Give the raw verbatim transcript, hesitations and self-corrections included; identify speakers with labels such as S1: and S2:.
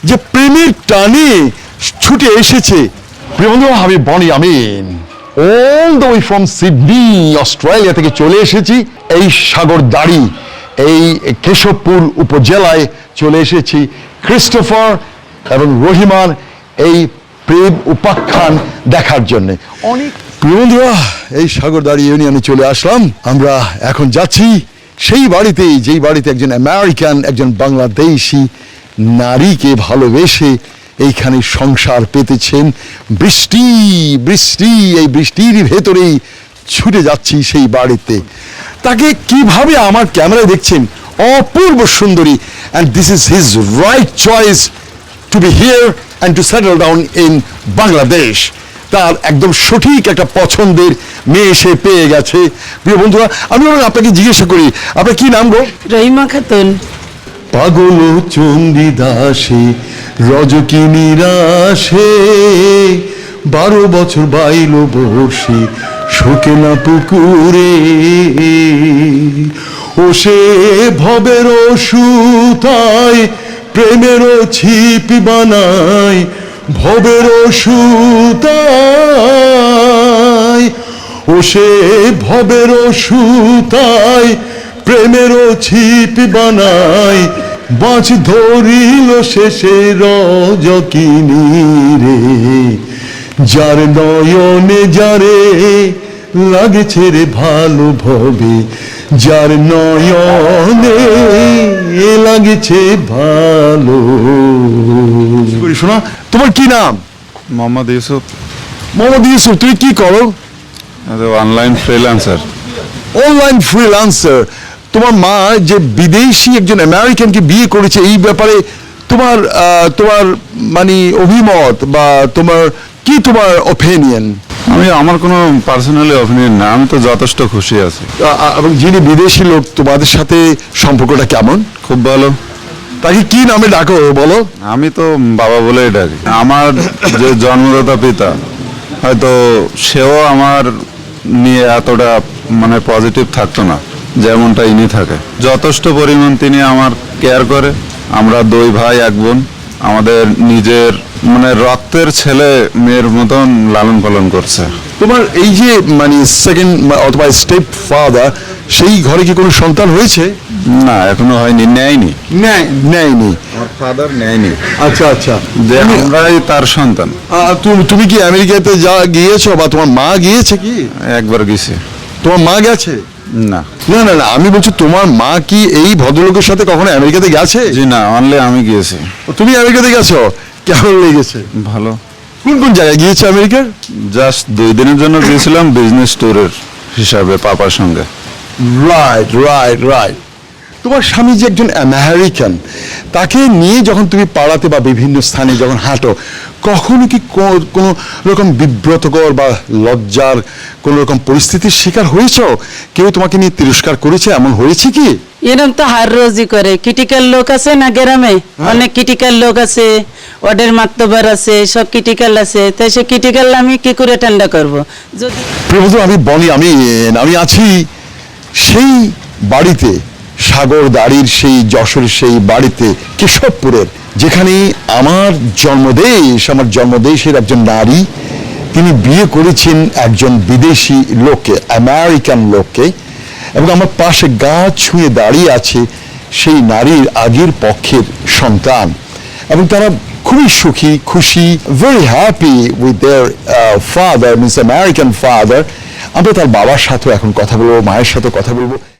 S1: যে প্রেমের টানে ছুটে এসেছে। প্রিয় বন্ধু, আমি Boni Amin all the way from Sydney Australia থেকে চলে এসেছি এই সাগরদাড়ি এই কেশবপুর উপজেলায় চলে এসেছি ক্রিস্টোফার এবং রহিমার এই প্রেম উপাখ্যান দেখার জন্য। অনেক প্রিয় বন্ধুরা, এই সাগরদাড়ি ইউনিয়নে চলে আসলাম। আমরা এখন যাচ্ছি সেই বাড়িতেই যেই বাড়িতে একজন আমেরিকান একজন বাংলাদেশি নারীকে ভালোবেসে এইখানে সংসার পেতেছেন। বৃষ্টি বৃষ্টি এই বৃষ্টির ভেতরেই ছুটে যাচ্ছি সেই বাড়িতে। তাকে কিভাবে আমার ক্যামেরায় দেখছেন, অপূর্ব সুন্দরী, and this is his right choice to be here and to settle down in Bangladesh. তার একদম সঠিক একটা পছন্দের মেয়ে সে পেয়ে গেছে। প্রিয় বন্ধুরা, আমি আপনাকে জিজ্ঞাসা করি, আপনার কি নাম গো?
S2: রহিমা খাতুন।
S1: পাগল চণ্ডীদাসে রজকি নিরাশে বারো বছর বাইল বসে শোকেলা পুকুরে, ও সে ভবের সুতায় প্রেমের ছিপ বানায়, ভবের সুতায়, ও সে ভবের সুতায় প্রেমের ছিপ বানায়, বাঁচ ধরিল শেষে রজকিনী রে, যার নয়নে যারে লাগছে রে ভালো ভবে, যার নয়নে লাগছে ভালো। শোনা, তোমার কি নাম?
S3: মোহাম্মদ ইউসুফ।
S1: মোহাম্মদ ইউসুফ, তুমি কি করো?
S3: Online freelancer.
S1: Online freelancer. তোমার মা যে বিদেশি একজন আমেরিকানকে বিয়ে করেছে, এই ব্যাপারে তোমার তোমার মানে অভিমত বা তোমার কি তোমার ওপিনিয়ন?
S3: আমি আমার কোনো পার্সোনালি অপিনিয়ন না, আমি তো যথেষ্ট খুশি আছি।
S1: এবং যিনি বিদেশি লোক, তোমাদের সাথে সম্পর্কটা কেমন?
S3: খুব ভালো।
S1: তাকে কি নামে ডাকো বলো?
S3: আমি তো বাবা বলেই ডাকি। আমার যে জন্মদাতা পিতা, হয়তো সেও আমার নিয়ে এতটা মানে পজিটিভ থাকতো না যেমনটা ইনি থাকে। যথেষ্ট পরিমাণ তিনি আমার কেয়ার করে। আমরা দুই ভাই এক বোন, আমাদের নিজের মানে রক্তের ছেলে মেয়ের মতন লালন পালন করছে।
S1: তোমার এই যে মানে সেকেন্ড অথবা স্টেপ ফাদার, সেই ঘরে কি কোনো সন্তান হয়েছে?
S3: না, এখনো হয়নি, নেয়নি।
S1: নেয়নি?
S3: আমার ফাদার নেয়নি।
S1: আচ্ছা আচ্ছা,
S3: যে আমরাই তার সন্তান।
S1: তুমি কি আমেরিকাতে যা গিয়েছো বা তোমার মা গিয়েছে? কি
S3: একবার গেছে।
S1: তোমার মা গেছে?
S3: না
S1: না না না, আমি বলছি তোমার মা কি এই ভদ্রলোকের সাথে কখনো আমেরিকাতে গেছে?
S3: জি না, অনলি আমি গিয়েছি।
S1: তুমি আমেরিকাতে গেছো, কেমন লেগেছে?
S3: ভালো।
S1: কোন কোন জায়গায় গিয়েছো আমেরিকার?
S3: জাস্ট দুই দিনের জন্য গিয়েছিলাম বিজনেস ট্যুরের হিসাবে পাপার সঙ্গে।
S1: Right right right. তোমার স্বামী যে একজন আমেরিকান, তাকে নিয়ে যখন তুমি পাড়াতে বা বিভিন্ন স্থানে যখন হাঁটো, কখনো কি কোনো রকম বিব্রতকর বা লজ্জার কোনো রকম পরিস্থিতির শিকার হয়েছো? কেউ তোমাকে নিয়ে তিরস্কার করেছে, এমন হয়েছে কি?
S2: এরকম তো হার রোজই করে। ক্রিটিক্যাল লোক আছে না গ্রামে, অনেক ক্রিটিক্যাল লোক আছে, ওদের মাতবার আছে, সব ক্রিটিক্যাল আছে। তাই সে ক্রিটিক্যাল আমি কি করে ঠান্ডা করবো? যদি
S1: প্রিয় বন্ধু, আমি বলি আমি আমি আছি সেই বাড়িতে, সাগরদাড়ির সেই যশোরের সেই বাড়িতে, কেশবপুরের, যেখানে আমার জন্মদেশ, আমার জন্মদেশের একজন নারী, তিনি বিয়ে করেছেন একজন বিদেশি লোককে, আমেরিকান লোককে, এবং আমার পাশে গা ছুঁয়ে দাঁড়িয়ে আছে সেই নারীর আগের পক্ষের সন্তান, এবং তারা খুবই সুখী, খুশি, very happy with their father, means American father. আমরা তার বাবার সাথেও এখন কথা বলবো, মায়ের সাথে কথা বলবো।